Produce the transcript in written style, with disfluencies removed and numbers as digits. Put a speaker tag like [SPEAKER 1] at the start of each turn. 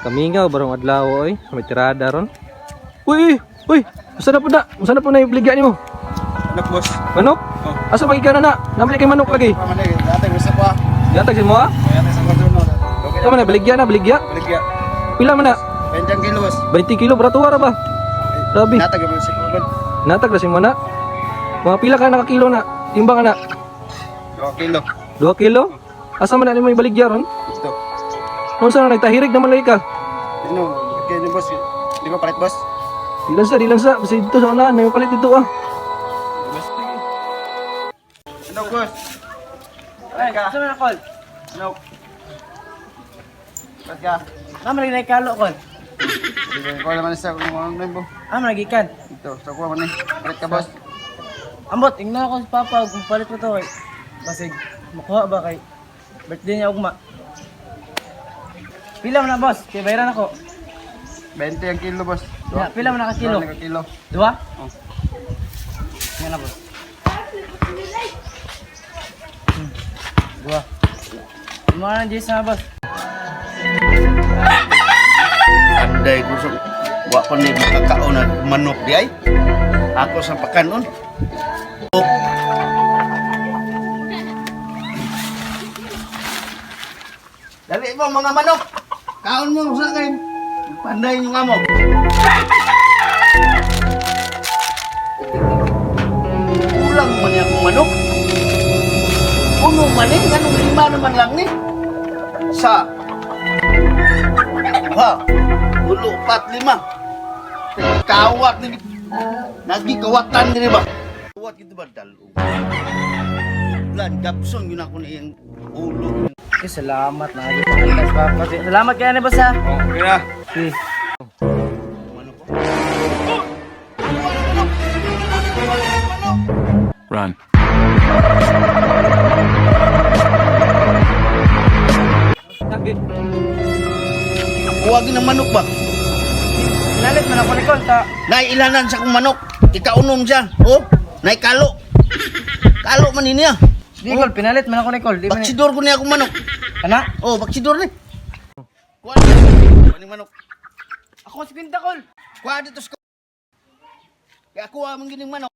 [SPEAKER 1] Kamingaw barong adlaw oy, may tirada ron. Uy, uy, usa na po na ibligya nimo.
[SPEAKER 2] Anak boss.
[SPEAKER 1] Manok?
[SPEAKER 2] Oh.
[SPEAKER 1] Asa pa ikaw na? Nabili kay manok lagi.
[SPEAKER 2] Pamanay, dati gusto ko ah.
[SPEAKER 1] Yatag si mo ah?
[SPEAKER 2] Kaya sa kwarto no. Okay
[SPEAKER 1] Ito man na, baligya na, baligya.
[SPEAKER 2] Baligya.
[SPEAKER 1] Pila man na?
[SPEAKER 2] 20 kilos.
[SPEAKER 1] 20 kilo, barato ra ba? Grabe.
[SPEAKER 2] Natag mo si Kulod.
[SPEAKER 1] Natag na si mo na. Mga pila ka nakakilo na? Timbang ka na?
[SPEAKER 2] 2 kilo.
[SPEAKER 1] 2 kilo? Asa man na mo ibaligya ron?
[SPEAKER 2] Ito.
[SPEAKER 1] Kung saan na nagtahirig naman lagi ka?
[SPEAKER 2] Ano, kaya ni boss. Di ba palit boss?
[SPEAKER 1] Di lang sa. Kasi dito sa unahan, may palit dito ah.
[SPEAKER 2] Boss. Ano boss?
[SPEAKER 3] Ay, saan na call?
[SPEAKER 2] Ano? Ba't ka?
[SPEAKER 3] Mama lagi kalo call.
[SPEAKER 2] Hindi ko naman sa kung ano na mo.
[SPEAKER 3] Nagikan.
[SPEAKER 2] Ito, sa kuha man eh. Palit ka boss.
[SPEAKER 3] Ambot, ingna ako sa papa kung palit ko to. Basig makuha ba kay birthday niya ugma. Pila mo na boss, kay bayaran ako.
[SPEAKER 2] 20 ang kilo boss.
[SPEAKER 3] Ya, pila mo na ka kilo?
[SPEAKER 2] 2 kilo.
[SPEAKER 3] Dua?
[SPEAKER 2] Oh.
[SPEAKER 3] Ngayon na boss. Dua. Mga na Jason na boss.
[SPEAKER 4] Anday gusto wa ko ni makakaon ng manok di ay. Ako sa pakanon. Dali mo mga manok. Kaon mo sa akin. Panday nyo nga mo. Kulang man niya akong manok. Puno man eh. Ganong 5 naman lang ni. Sa ha, ulo, 4, 5. Kawat ni nagikawatan ni ba? Kawat gitu ba dalo? Lan Gabson yun ako na yung ulo.
[SPEAKER 3] Okay, salamat na lagi pa sa papa. Salamat kaya ni boss ha.
[SPEAKER 2] Oh, okay na.
[SPEAKER 3] Okay.
[SPEAKER 4] Manok ko.
[SPEAKER 5] Run.
[SPEAKER 1] Tagit.
[SPEAKER 4] Huwag ng manok ba?
[SPEAKER 3] Pinalit man ako ni call ta.
[SPEAKER 4] Nailanan sa kong manok. Ikaunom siya. Oh, naikalo. Kalo man niya.
[SPEAKER 3] Di call, pinalit man ako ni call. Di man.
[SPEAKER 4] Baksidor ko niya akong manok.
[SPEAKER 3] Kana?
[SPEAKER 4] Oh, baksidor ni. Kuha ni manok.
[SPEAKER 3] Ako si Pinta call.
[SPEAKER 4] Kuha dito sa. Kaya kuha mong gining manok.